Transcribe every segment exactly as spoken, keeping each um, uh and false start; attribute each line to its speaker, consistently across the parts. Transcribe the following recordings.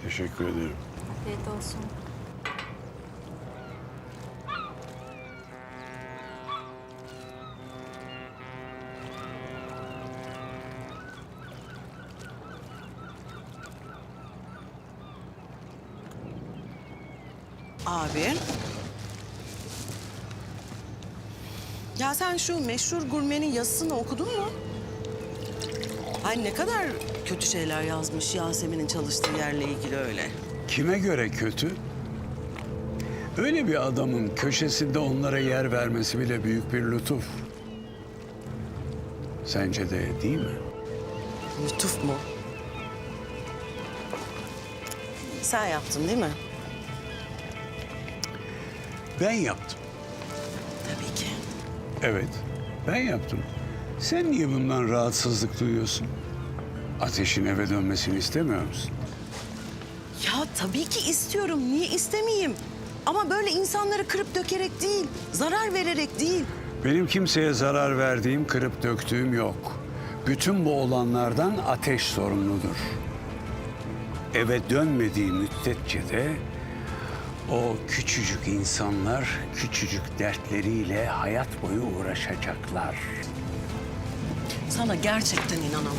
Speaker 1: Teşekkür ederim.
Speaker 2: Afiyet olsun.
Speaker 3: Abi. Ya sen şu meşhur gurmenin yazısını okudun mu? Ay ne kadar kötü şeyler yazmış Yasemin'in çalıştığı yerle ilgili öyle.
Speaker 1: Kime göre kötü? Öyle bir adamın köşesinde onlara yer vermesi bile büyük bir lütuf. Sence de değil mi?
Speaker 3: Lütuf mu? Sen yaptın değil mi?
Speaker 1: Ben yaptım.
Speaker 3: Tabii ki.
Speaker 1: Evet, ben yaptım. Sen niye bundan rahatsızlık duyuyorsun? Ateş'in eve dönmesini istemiyor musun?
Speaker 3: Ya tabii ki istiyorum. Niye istemeyeyim? Ama böyle insanları kırıp dökerek değil, zarar vererek değil.
Speaker 1: Benim kimseye zarar verdiğim, kırıp döktüğüm yok. Bütün bu olanlardan Ateş sorumludur. Eve dönmediği müddetçe de o küçücük insanlar küçücük dertleriyle hayat boyu uğraşacaklar.
Speaker 3: Sana gerçekten inanamıyorum.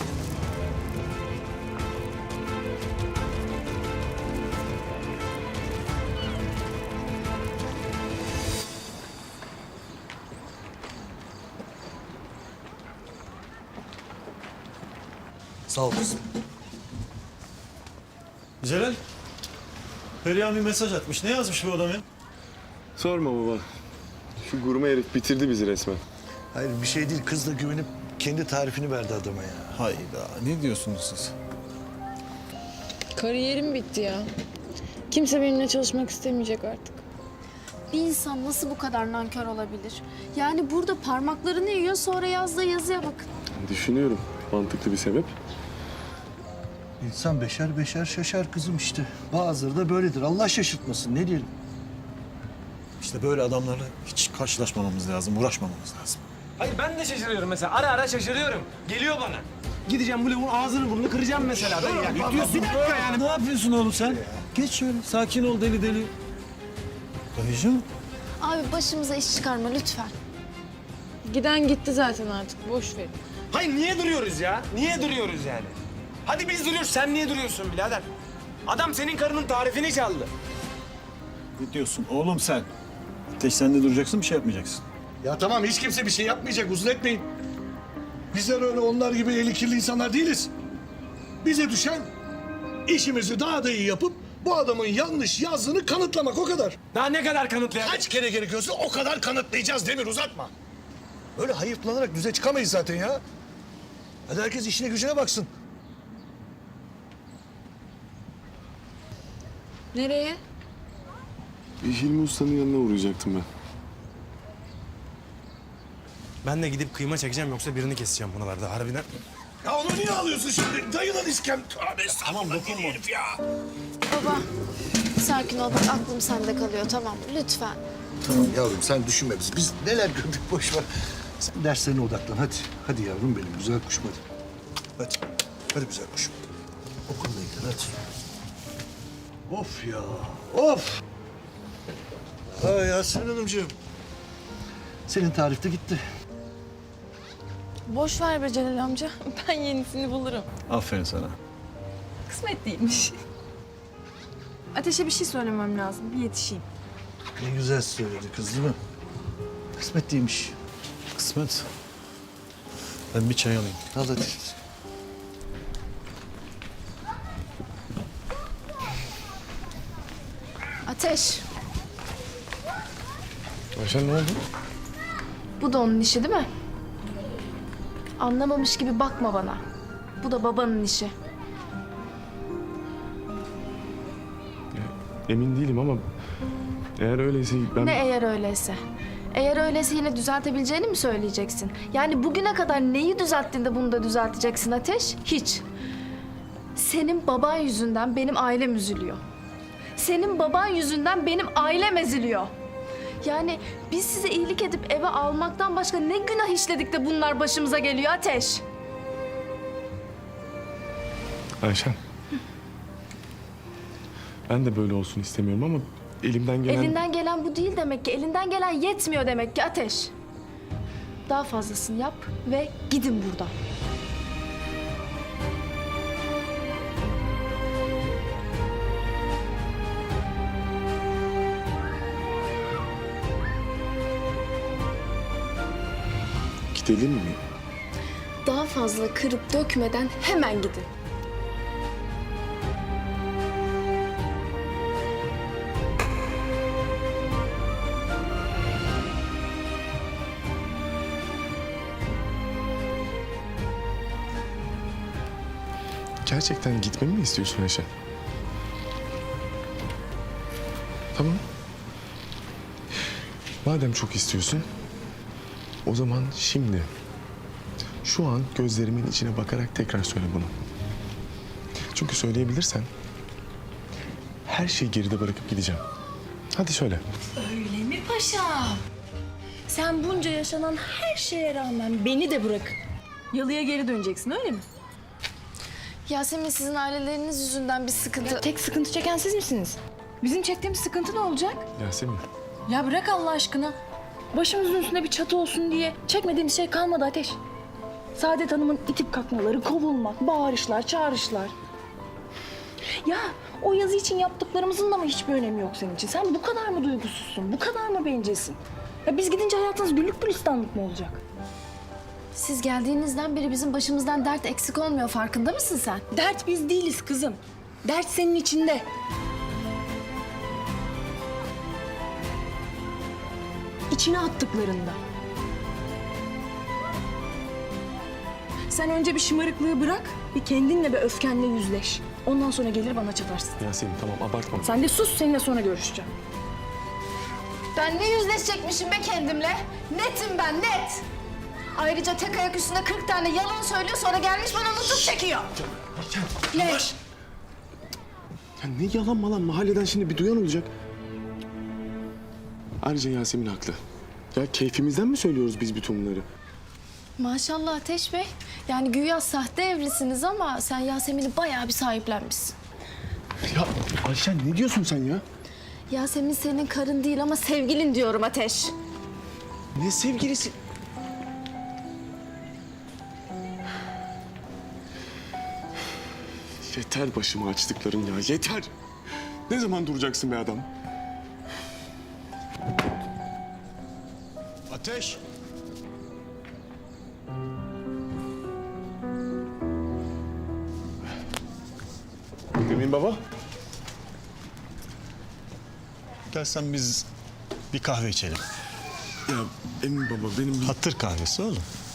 Speaker 4: Sağ ol kızım. Celal, Perihan bir mesaj atmış. Ne yazmış bu adam ya?
Speaker 5: Sorma baba. Şu gurme herif bitirdi bizi resmen.
Speaker 6: Hayır bir şey değil. Kız da güvenip kendi tarifini verdi adama ya.
Speaker 4: Hayda, ne diyorsunuz siz?
Speaker 7: Kariyerim bitti ya. Kimse benimle çalışmak istemeyecek artık.
Speaker 2: Bir insan nasıl bu kadar nankör olabilir? Yani burada parmaklarını yiyor, sonra yazdığı yazıya bakın.
Speaker 5: Düşünüyorum. Mantıklı bir sebep.
Speaker 6: İnsan beşer beşer şaşar kızım işte. Bazıları da böyledir. Allah şaşırtmasın. Ne diyelim?
Speaker 4: İşte böyle adamlarla hiç karşılaşmamamız lazım, uğraşmamamız lazım.
Speaker 8: Hayır ben de şaşırıyorum mesela. Ara ara şaşırıyorum. Geliyor bana. Gideceğim bu lavuğun ağzını burnunu kıracağım mesela. Ben yani.
Speaker 4: Ne diyorsun?
Speaker 8: Bir dakika yani.
Speaker 4: Ne yapıyorsun oğlum sen? Geç şöyle, sakin ol deli deli. Dayıcığım.
Speaker 2: Abi başımıza iş çıkarma lütfen.
Speaker 7: Giden gitti zaten artık. Boş ver.
Speaker 8: Hayır niye duruyoruz ya? Niye duruyoruz yani? Hadi biz duruyoruz. Sen niye duruyorsun birader? Adam senin karının tarifini çaldı.
Speaker 4: Ne diyorsun oğlum sen? Ateş sen de duracaksın, bir şey yapmayacaksın.
Speaker 6: Ya tamam hiç kimse bir şey yapmayacak. Uzun etmeyin. Bizler öyle onlar gibi eli kirli insanlar değiliz. Bize düşen işimizi daha da iyi yapıp bu adamın yanlış yazdığını kanıtlamak o kadar.
Speaker 8: Daha ne kadar kanıtlayalım?
Speaker 6: Kaç kere gerekiyorsa o kadar kanıtlayacağız Demir uzatma. Böyle hayıflanarak düze çıkamayız zaten ya. Hadi herkes işine gücüne baksın.
Speaker 7: Nereye?
Speaker 5: Bir Hilmi Usta'nın yanına uğrayacaktım ben.
Speaker 8: Ben de gidip kıyma çekeceğim yoksa birini keseceğim buralarda harbiden.
Speaker 6: Ya onu niye alıyorsun şimdi? Dayılan iskem. Tövbe tamam dokunma. Ya.
Speaker 2: Baba, sakin ol. Bak aklım sende kalıyor, tamam mı? Lütfen.
Speaker 6: Tamam yavrum sen düşünme bizi. Biz neler gördük boş ver. Sen derslerine odaklan hadi. Hadi yavrum benim güzel kuşum hadi. Hadi. Hadi güzel kuşum. Okulla ilgilen hadi. Of ya. Of. Ay Yasemin Hanımcığım. Senin tarif de gitti.
Speaker 7: Boş ver be Celal amca. Ben yenisini bulurum.
Speaker 4: Aferin sana.
Speaker 7: Kısmet değilmiş. Ateşe bir şey söylemem lazım. Bir yetişeyim.
Speaker 6: Ne güzel söyledi kız değil mi? Kısmet değilmiş.
Speaker 4: Kısmet. Ben bir çay alayım.
Speaker 6: Al hadi.
Speaker 2: Ateş,
Speaker 5: Ayşen ne oldu?
Speaker 2: bu da onun işi değil mi? Anlamamış gibi bakma bana. Bu da babanın işi.
Speaker 5: Emin değilim ama eğer öyleyse ben...
Speaker 2: Ne eğer öyleyse? Eğer öyleyse yine düzeltebileceğini mi söyleyeceksin? Yani bugüne kadar neyi düzelttin de bunu da düzelteceksin Ateş? Hiç. Senin baban yüzünden benim ailem üzülüyor. Senin baban yüzünden benim ailem eziliyor. Yani biz size iyilik edip eve almaktan başka ne günah işledik de bunlar başımıza geliyor Ateş?
Speaker 5: Ayşen. Ben de böyle olsun istemiyorum ama elimden gelen...
Speaker 2: Elinden gelen bu değil demek ki. Elinden gelen yetmiyor demek ki Ateş. Daha fazlasını yap ve gidin buradan.
Speaker 5: Gidelim mi?
Speaker 2: Daha fazla kırıp dökmeden hemen gidin.
Speaker 5: Gerçekten gitmemi mi istiyorsun Ayşe? Tamam. Madem çok istiyorsun, o zaman şimdi, şu an gözlerimin içine bakarak tekrar söyle bunu. Çünkü söyleyebilirsen, her şeyi geride bırakıp gideceğim. Hadi söyle.
Speaker 7: Öyle mi paşam? Sen bunca yaşanan her şeye rağmen beni de bırak. Yalıya geri döneceksin öyle mi?
Speaker 2: Yasemin, sizin aileleriniz yüzünden bir sıkıntı...
Speaker 7: Tek sıkıntı çeken siz misiniz? Bizim çektiğimiz sıkıntı ne olacak?
Speaker 5: Yasemin,
Speaker 7: Ya bırak Allah aşkına. Başımızın üstünde bir çatı olsun diye çekmediğimiz şey kalmadı Ateş. Saadet Hanım'ın itip kalkmaları, kovulmak, bağırışlar, çağrışlar. Ya o yazı için yaptıklarımızın da mı hiçbir önemi yok senin için? Sen bu kadar mı duygusuzsun? Bu kadar mı bencilsin? Ya biz gidince hayatınız güllük gülistanlık mı olacak?
Speaker 2: Siz geldiğinizden beri bizim başımızdan dert eksik olmuyor, farkında mısın sen?
Speaker 7: Dert biz değiliz kızım. Dert senin içinde. İçine attıklarında. Sen önce bir şımarıklığı bırak, bir kendinle ve öfkenle yüzleş. Ondan sonra gelir bana çatarsın.
Speaker 5: Yasemin tamam abartma.
Speaker 7: Sen de sus, seninle sonra görüşeceğim.
Speaker 2: Ben ne yüzleşecekmişim be kendimle? Netim ben, net. Ayrıca tek ayak üstünde kırk tane yalan söylüyor, sonra gelmiş bana nutuk çekiyor.
Speaker 7: Ne?
Speaker 5: Ya ne yalan malan, mahalleden şimdi bir duyan olacak. Ayrıca Yasemin haklı. Ya keyfimizden mi söylüyoruz biz bütün bunları?
Speaker 2: Maşallah Ateş Bey. Yani güya sahte evlisiniz ama sen Yasemin'i bayağı bir sahiplenmişsin.
Speaker 5: Ya Ayşen ne diyorsun sen ya?
Speaker 2: Yasemin senin karın değil ama sevgilin diyorum Ateş.
Speaker 5: Ne sevgilisi? Yeter başıma açtıkların ya, yeter. Ne zaman duracaksın be adam?
Speaker 4: Ateş!
Speaker 5: Emin baba.
Speaker 4: Dersen biz bir kahve içelim.
Speaker 5: Ya Emin baba benim bir...
Speaker 4: Hatır kahvesi oğlum.